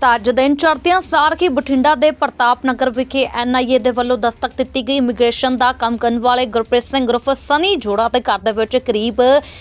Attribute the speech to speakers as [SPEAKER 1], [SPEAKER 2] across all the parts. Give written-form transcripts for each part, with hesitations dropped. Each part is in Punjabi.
[SPEAKER 1] ਅੱਜ ਦਿਨ ਚੜ੍ਹਦਿਆਂ ਸਾਰ ਹੀ ਬਠਿੰਡਾ ਦੇ ਪ੍ਰਤਾਪ ਨਗਰ ਵਿਖੇ NIA ਦੇ ਵੱਲੋਂ ਦਸਤਕ ਦਿੱਤੀ ਗਈ ਇਮੀਗ੍ਰੇਸ਼ਨ ਦਾ ਕੰਮ ਕਰਨ ਵਾਲੇ ਗੁਰਪ੍ਰੀਤ ਸਿੰਘ ਉਰਫ ਸਨੀ ਜੋੜਾ ਦੇ ਘਰ ਦੇ ਵਿੱਚ ਕਰੀਬ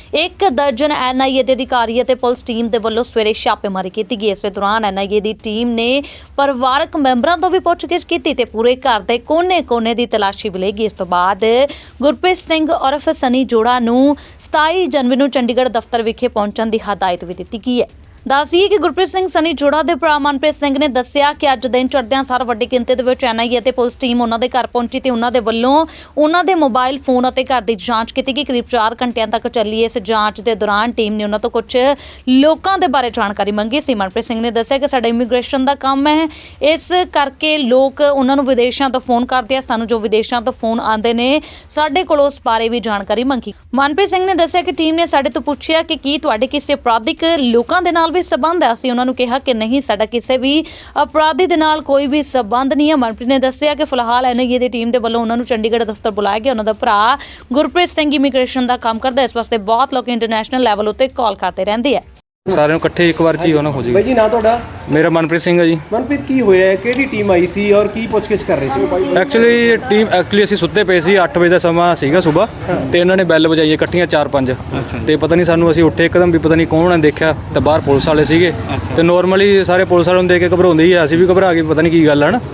[SPEAKER 1] 1 ਦਰਜਨ NIA ਦੇ ਅਧਿਕਾਰੀ ਅਤੇ ਪੁਲਿਸ ਟੀਮ ਦੇ ਵੱਲੋਂ ਸਵੇਰੇ ਛਾਪੇਮਾਰੀ ਕੀਤੀ ਗਈ। ਇਸੇ ਦੌਰਾਨ NIA ਦੀ ਟੀਮ ਨੇ ਪਰਿਵਾਰਕ ਮੈਂਬਰਾਂ ਤੋਂ ਵੀ ਪੁੱਛਗਿੱਛ ਕੀਤੀ ਤੇ ਪੂਰੇ ਘਰ ਦੇ ਕੋਨੇ-ਕੋਨੇ ਦੀ ਤਲਾਸ਼ੀ ਵੀ ਲਈ ਗਈ। ਇਸ ਤੋਂ ਬਾਅਦ ਗੁਰਪ੍ਰੀਤ ਸਿੰਘ ਉਰਫ ਸਨੀ ਜੋੜਾ ਨੂੰ 27 ਜਨਵਰੀ ਨੂੰ ਚੰਡੀਗੜ੍ਹ ਦਫ਼ਤਰ ਵਿਖੇ ਪਹੁੰਚਣ ਦੀ ਹਦਾਇਤ ਵੀ ਦਿੱਤੀ ਗਈ ਹੈ। ਦੱਸੀਏ ਕਿ ਗੁਰਪ੍ਰੀਤ ਸਿੰਘ ਸਨੀ ਜੋੜਾ ਦੇ ਭਰਾ ਮਨਪ੍ਰੀਤ ਸਿੰਘ ਨੇ ਦੱਸਿਆ ਕਿ ਅੱਜ ਦਿਨ ਚੜ੍ਹਦਿਆਂ ਸਾਰ ਵੱਡੀ ਗਿਣਤੀ ਦੇ ਵਿੱਚ NIA ਅਤੇ ਪੁਲਿਸ ਟੀਮ ਉਹਨਾਂ ਦੇ ਘਰ ਪਹੁੰਚੀ ਤੇ ਉਹਨਾਂ ਦੇ ਵੱਲੋਂ ਉਹਨਾਂ ਦੇ ਮੋਬਾਈਲ ਫੋਨ ਅਤੇ ਘਰ ਦੀ ਜਾਂਚ ਕੀਤੀ ਗਈ। ਕਰੀਬ 4 ਘੰਟਿਆਂ ਤੱਕ ਚੱਲੀ ਇਸ ਜਾਂਚ ਦੇ ਦੌਰਾਨ ਟੀਮ ਨੇ ਉਹਨਾਂ ਤੋਂ ਕੁਝ ਲੋਕਾਂ ਦੇ ਬਾਰੇ ਜਾਣਕਾਰੀ ਮੰਗੀ ਸੀ। ਮਨਪ੍ਰੀਤ ਸਿੰਘ ਨੇ ਦੱਸਿਆ ਕਿ ਸਾਡਾ ਇਮੀਗ੍ਰੇਸ਼ਨ ਦਾ ਕੰਮ ਹੈ, ਇਸ ਕਰਕੇ ਲੋਕ ਉਹਨਾਂ ਨੂੰ ਵਿਦੇਸ਼ਾਂ ਤੋਂ ਫੋਨ ਕਰਦੇ ਆ। ਸਾਨੂੰ ਜੋ ਵਿਦੇਸ਼ਾਂ ਤੋਂ ਫੋਨ ਆਉਂਦੇ ਨੇ ਸਾਡੇ ਕੋਲ ਉਸ ਬਾਰੇ ਵੀ ਜਾਣਕਾਰੀ ਮੰਗੀ। ਮਨਪ੍ਰੀਤ ਸਿੰਘ ਨੇ ਦੱਸਿਆ ਕਿ ਟੀਮ ਨੇ ਸਾਡੇ ਤੋਂ ਪੁੱਛਿਆ ਕਿ ਕੀ ਤੁਹਾਡੇ ਕਿਸੇ ਅਪਰਾਧਿਕ ਲੋਕਾਂ ਦੇ ਨਾਲ ਵੀ ਸਬੰਧ ਹੈ। ਅਸੀਂ ਉਹਨਾਂ ਨੂੰ ਕਿਹਾ ਕਿ ਨਹੀਂ, ਸਾਡਾ ਕਿਸੇ ਵੀ ਅਪਰਾਧੀ ਦੇ ਨਾਲ ਕੋਈ ਵੀ ਸਬੰਧ ਨਹੀਂ ਹੈ। ਮਨਪ੍ਰੀਤ ਨੇ ਦੱਸਿਆ ਕਿ ਫਿਲਹਾਲ NIA ਦੀ ਟੀਮ ਦੇ ਵੱਲੋਂ ਉਹਨਾਂ ਨੂੰ ਚੰਡੀਗੜ੍ਹ ਦਫ਼ਤਰ ਬੁਲਾਇਆ ਗਿਆ। ਉਹਨਾਂ ਦਾ ਭਰਾ ਗੁਰਪ੍ਰੀਤ ਸਿੰਘ ਇਮੀਗ੍ਰੇਸ਼ਨ ਦਾ ਕੰਮ ਕਰਦਾ, ਇਸ ਵਾਸਤੇ ਬਹੁਤ ਲੋਕ ਇੰਟਰਨੈਸ਼ਨਲ ਲੈਵਲ ਉੱਤੇ ਕਾਲ ਕਰਦੇ ਰਹਿੰਦੇ ਆ।
[SPEAKER 2] ਸਾਰਿਆਂ ਨੂੰ ਇਕੱਠੇ ਇੱਕ ਵਾਰ 'ਚ ਹੀ ਉਹਨਾਂ ਹੋ ਜਾਏਗਾ।
[SPEAKER 3] ਬਾਈ ਜੀ, ਨਾਂ ਤੁਹਾਡਾ?
[SPEAKER 2] ਮੇਰਾ ਮਨਪ੍ਰੀਤ ਸਿੰਘ ਹੈ ਜੀ।
[SPEAKER 3] ਮਨਪ੍ਰੀਤ, ਕੀ ਹੋਇਆ ਹੈ? ਕਿਹੜੀ ਟੀਮ ਆਈ ਸੀ ਔਰ ਕੀ ਪੁੱਛਗਿੱਛ ਕਰ ਰਹੇ ਸੀ?
[SPEAKER 2] ਐਕਚੁਅਲੀ ਅਸੀਂ ਸੁੱਤੇ ਪਏ ਸੀ, 8 ਵਜੇ ਦਾ ਸਮਾਂ ਸੀਗਾ ਸਵੇਰ, ਤੇ ਇਹਨਾਂ ਨੇ ਬੈਲ ਵਜਾਈ ਇਕੱਠੀਆਂ 4-5 ਤੇ ਪਤਾ ਨਹੀਂ ਸਾਨੂੰ, ਅਸੀਂ ਉੱਠੇ ਇੱਕਦਮ ਵੀ ਪਤਾ ਨਹੀਂ ਕੌਣ ਨੇ, ਦੇਖਿਆ ਤੇ ਬਾਹਰ ਪੁਲਿਸ ਵਾਲੇ ਸੀਗੇ ਤੇ ਨੋਰਮਲੀ ਸਾਰੇ ਪੁਲਿਸ ਵਾਲਿਆਂ ਨੂੰ ਦੇਖ ਕੇ ਘਬਰਾਉਂਦੇ ਹੀ ਆ, ਅਸੀਂ ਵੀ ਘਬਰਾ ਗਏ, ਪਤਾ ਨਹੀਂ ਕੀ ਗੱਲ ਹੈ ਨਾ।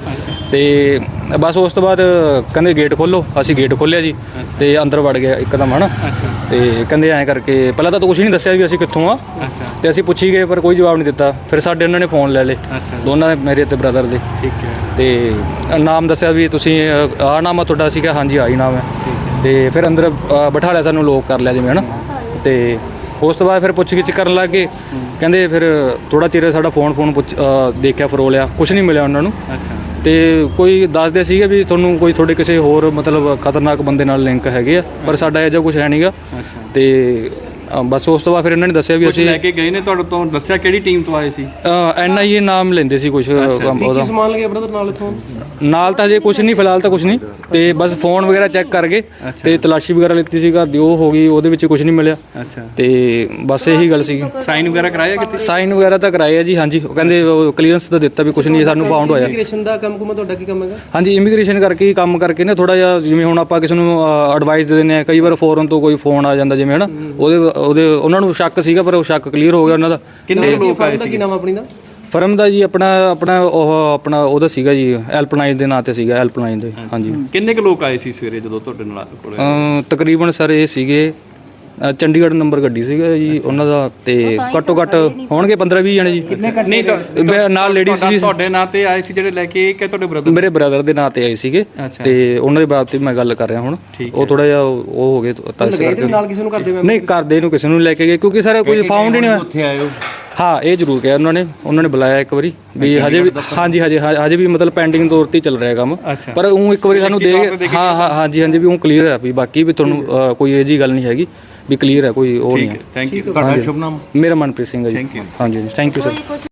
[SPEAKER 2] ਤੇ ਬਸ ਉਸ ਤੋਂ ਬਾਅਦ ਕਹਿੰਦੇ ਗੇਟ ਖੋਲ੍ਹੋ, ਅਸੀਂ ਗੇਟ ਖੋਲ੍ਹਿਆ ਜੀ ਤੇ ਅੰਦਰ ਵੜ ਗਿਆ ਇੱਕਦਮ, ਹੈ ਨਾ। ਤੇ ਕਹਿੰਦੇ ਐਂ ਕਰਕੇ ਪਹਿਲਾਂ ਤਾਂ ਕੁਛ ਨਹੀਂ ਦੱਸਿਆ ਵੀ ਅਸੀਂ ਕਿੱਥੋਂ ਆ, ਤੇ ਅਸੀਂ ਪੁੱਛੀ ਗਏ ਪਰ ਕੋਈ ਜਵਾਬ ਨਹੀਂ ਦਿੱਤਾ। ਫਿਰ ਸਾਡੇ ਉਹਨਾਂ ਨੇ ਫੋਨ ਲੈ ਲਏ, ਦੋਨਾਂ ਦੇ, ਮੇਰੇ ਤੇ ਬ੍ਰਦਰ ਦੇ।
[SPEAKER 3] ਠੀਕ ਹੈ।
[SPEAKER 2] ਤੇ ਨਾਮ ਦੱਸਿਆ ਵੀ ਤੁਸੀਂ ਆਹ ਨਾਮ ਆ ਤੁਹਾਡਾ? ਅਸੀਂ ਕਿਹਾ ਹਾਂਜੀ ਆਹੀ ਨਾਮ ਹੈ। ਤੇ ਫਿਰ ਅੰਦਰ ਬਿਠਾ ਲਿਆ, ਸਾਨੂੰ ਲੋਕ ਕਰ ਲਿਆ ਜਿਵੇਂ, ਹੈ ਨਾ। ਤੇ ਉਸ ਤੋਂ ਬਾਅਦ ਫਿਰ ਪੁੱਛ-ਗਿੱਛ ਕਰਨ ਲੱਗ ਗਏ। ਕਹਿੰਦੇ ਫਿਰ ਥੋੜ੍ਹਾ ਚਿਰ ਸਾਡਾ ਫੋਨ ਦੇਖਿਆ, ਫਰੋਲਿਆ, ਕੁਛ ਨਹੀਂ ਮਿਲਿਆ ਉਹਨਾਂ ਨੂੰ। ਤੇ ਕੋਈ ਦੱਸਦੇ ਸੀਗੇ ਵੀ ਤੁਹਾਨੂੰ ਕੋਈ ਤੁਹਾਡੇ ਕਿਸੇ ਹੋਰ ਮਤਲਬ ਖਤਰਨਾਕ ਬੰਦੇ ਨਾਲ ਲਿੰਕ ਹੈਗੇ ਆ, ਪਰ ਸਾਡਾ ਇਹੋ ਜਿਹਾ ਕੁਛ ਹੈ ਨਹੀਂਗਾ। ਤੇ ਬਸ ਉਸ ਤੋਂ ਬਾਅਦ ਫਿਰ ਇਹਨਾਂ ਨੇ ਦੱਸਿਆ ਵੀ ਅਸੀਂ
[SPEAKER 4] ਲੈ ਕੇ ਗਏ ਨੇ ਤੁਹਾਡੇ ਤੋਂ, ਦੱਸਿਆ ਕਿਹੜੀ ਟੀਮ ਤੋਂ ਆਏ ਸੀ?
[SPEAKER 2] NIA ਨਾਮ ਲੈਂਦੇ ਸੀ ਕੁਛ ਉਹਦਾ।
[SPEAKER 3] ਸਮਾਨ ਲੱਗਿਆ ਬ੍ਰਦਰ ਨਾਲ ਇਥੋਂ?
[SPEAKER 2] ਨਾਲ ਤਾਂ ਜੇ ਕੁਛ ਨਹੀਂ, ਫਿਲਹਾਲ ਤਾਂ ਕੁਛ ਨਹੀਂ, ਤੇ ਬਸ ਫੋਨ ਵਗੈਰਾ ਚੈੱਕ ਕਰ ਗਏ ਤੇ ਤਲਾਸ਼ੀ ਵਗੈਰਾ ਲਿੱਤੀ ਸੀ ਘਰ ਦੀ, ਉਹ ਹੋ ਗਈ, ਉਹਦੇ ਵਿੱਚ ਕੁਛ ਨਹੀਂ ਮਿਲਿਆ। ਤੇ ਬਸ ਇਹੀ ਗੱਲ ਸੀਗੀ।
[SPEAKER 4] ਸਾਈਨ ਵਗੈਰਾ ਕਰਾਇਆ ਕਿਤੇ?
[SPEAKER 2] ਸਾਈਨ ਵਗੈਰਾ ਤਾਂ ਕਰਾਏ ਆ ਜੀ, ਹਾਂਜੀ। ਉਹ ਕਹਿੰਦੇ ਕਲੀਅਰੈਂਸ ਤਾਂ ਦਿੱਤਾ ਵੀ ਕੁਛ ਨਹੀਂ ਸਾਨੂੰ ਫਾਊਂਡ ਹੋਇਆ।
[SPEAKER 3] ਇਮੀਗ੍ਰੇਸ਼ਨ ਦਾ ਕੰਮ ਕੁਮਾ ਤੁਹਾਡਾ ਕੀ ਕੰਮ ਹੈਗਾ?
[SPEAKER 2] ਹਾਂਜੀ, ਇਮੀਗ੍ਰੇਸ਼ਨ ਕਰਕੇ ਹੀ ਕੰਮ ਕਰਕੇ ਨਾ, ਥੋੜਾ ਜਿਹਾ ਜਿਵੇਂ ਹੁਣ ਆਪਾਂ ਕਿਸੇ ਨੂੰ ਐਡਵਾਈਸ ਦੇ ਦਿੰਦੇ ਆ, ਕਈ ਵਾਰ ਫੋਰਨ ਤੋਂ ਕੋਈ ਫੋਨ ਆ ਜਾਂਦਾ ਜਿਵੇਂ, ਹੈ ਨਾ। ਉਹਦੇ ਉਹਨਾਂ ਨੂੰ ਸ਼ੱਕ ਸੀਗਾ, ਪਰ ਉਹ ਸ਼ੱਕ ਕਲੀਅਰ ਹੋ ਗਿਆ ਉਹਨਾਂ ਦਾ।
[SPEAKER 4] ਕਿੰਨੇ ਲੋਕ ਆਏ ਸੀ?
[SPEAKER 3] ਕੀ ਨਾਮ ਆਪਣੀ ਦਾ?
[SPEAKER 2] ਫਰਮ ਦਾ ਜੀ ਆਪਣਾ ਉਹਦਾ ਸੀਗਾ ਜੀ, ਹੈਲਪਲਾਈਨ ਦੇ ਨਾਂ ਤੇ ਸੀਗਾ, ਹੈਲਪਲਾਈਨ ਦੇ। ਹਾਂਜੀ।
[SPEAKER 4] ਕਿੰਨੇ ਕੁ ਲੋਕ ਆਏ ਸੀ ਸਵੇਰੇ ਜਦੋਂ ਤੁਹਾਡੇ ਨਾਲ ਕੋਲ?
[SPEAKER 2] ਤਕਰੀਬਨ ਸਰ ਇਹ ਸੀਗੇ ਚੰਡੀਗੜ੍ਹ ਨੰਬਰ ਗੱਡੀ ਸੀਗਾ ਜੀ ਉਹਨਾਂ ਦਾ, ਤੇ ਘੱਟੋ ਘੱਟ ਹੋਣਗੇ 15-20 ਜਣੇ ਜੀ।
[SPEAKER 4] ਨਹੀਂ, ਨਾਲ ਲੇਡੀਜ਼ ਵੀ ਤੁਹਾਡੇ ਨਾਂ ਤੇ ਆਏ ਸੀ ਜਿਹੜੇ ਲੈ ਕੇ, ਕਿ ਤੁਹਾਡੇ ਬ੍ਰਦਰ?
[SPEAKER 2] ਮੇਰੇ ਬ੍ਰਦਰ ਦੇ ਨਾਂ ਤੇ ਆਏ ਸੀਗੇ, ਤੇ ਉਹਨਾਂ ਦੇ ਬਾਰੇ ਤੇ ਮੈਂ ਗੱਲ ਕਰ ਰਿਹਾ ਹੁਣ। ਉਹ ਥੋੜਾ ਜਿਹਾ ਉਹ ਹੋ ਗਏ ਤਾਂ ਇਸ ਕਰਕੇ।
[SPEAKER 3] ਨਾਲ ਕਿਸੇ ਨੂੰ ਕਰਦੇ?
[SPEAKER 2] ਨਹੀਂ, ਕਰਦੇ ਨੂੰ ਕਿਸੇ ਨੂੰ ਲੈ ਕੇ ਗਏ, ਕਿਉਂਕਿ ਸਰ ਕੋਈ ਫਾਊਂਡ ਹੀ ਨਹੀਂ ਹੋਇਆ।
[SPEAKER 3] ਉੱਥੇ ਆਇਓ?
[SPEAKER 2] ਹਾਂ, ਇਹ ਜ਼ਰੂਰ ਕਿਹਾ ਉਹਨਾਂ ਨੇ ਬੁਲਾਇਆ ਇੱਕ ਵਾਰੀ ਵੀ ਹਜੇ ਵੀ, ਹਾਂਜੀ ਹਜੇ ਵੀ ਮਤਲਬ ਪੈਂਡਿੰਗ ਤੌਰ ਤੇ ਚੱਲ ਰਿਹਾ ਕੰਮ, ਪਰ ਉਹ ਇੱਕ ਵਾਰੀ ਸਾਨੂੰ ਦੇ ਹਾਂਜੀ ਵੀ ਉਹ ਕਲੀਅਰ ਹੈ ਵੀ ਬਾਕੀ ਵੀ ਤੁਹਾਨੂੰ ਕੋਈ ਇਹ ਜੀ ਗੱਲ ਨਹੀਂ ਹੈਗੀ ਵੀ ਕਲੀਅਰ ਹੈ, ਕੋਈ ਉਹ ਨਹੀਂ ਹੈ।
[SPEAKER 4] Thank you. ਤੁਹਾਡਾ ਸ਼ੁਭ ਨਾਮ?
[SPEAKER 2] ਮੇਰਾ ਮਨਪ੍ਰੀਤ ਸਿੰਘ ਹੈ ਜੀ। ਹਾਂਜੀ, ਥੈਂਕ ਯੂ ਸਰ।